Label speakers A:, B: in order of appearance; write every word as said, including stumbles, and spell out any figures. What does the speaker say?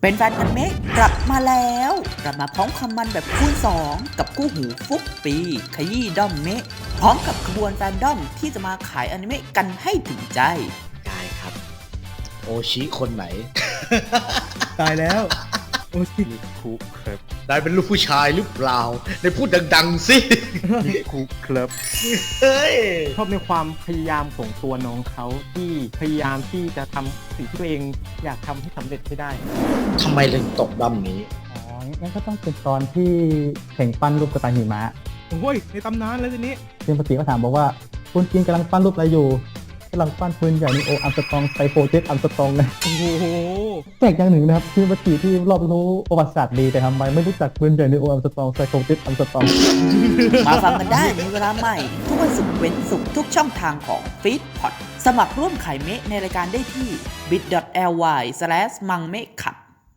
A: เป็นแฟนพันธุ์เมะกลับมาแล้วกลับมาพร้อมความมันแบบคูณสองกับคู่หูฟุกปีขยี้ด้อมเมะพร้อมกับขบวนแฟนด้อมที่จะมาขายอนิเมะกันให้ถึงใจ
B: ได้ครับโอชิคนไหน
C: ตายแล้วโอชิ
D: นิคุครับ
B: ได้เป็นลูกผู้ชายหรือเปล่าได้พูดดังๆสิ
D: นิคุครับ
B: เฮ้ย
C: ชอบในความพยายามของตัวน้องเขาที่พยายามที่จะทำสิ่งที่ตัวเองอยากทำให้สำเร็จให้ได้
B: ทำไมถึงตกด้อมนี้
E: อ๋อ งั้นก็ต้องเป็นตอนที่แข่งปั้นรูปกระต่ายหิมะ
C: โอ้ยในตำนานแล้วทีนี้
E: ซึ่งปกติก็ถามบอกว่าคุณจินกำลังปั้นรูปอะไรอยู่กำลังปั้นปืนใหญ่ในโออัมสตองไซโฟเจ็ตอัมสตองเลย
C: โอ้โห
E: แปลกอย่างหนึ่งนะครับคือปกติที่รอบรู้ประวัติศาสตร์ดีแต่ทำไมไม่รู้จักปืนใหญ่ในโออัมสตองไซโฟเจ็ตอัมสตอง
A: มาฟังกันได้ในเวลาใหม่ ทุกวันศุกร์เว้นศุกร์ทุกช่องทางของ Feed Pod สมัครร่วมขายเมะในรายการได้ที่ bit.ly สแลช มังเมะขับ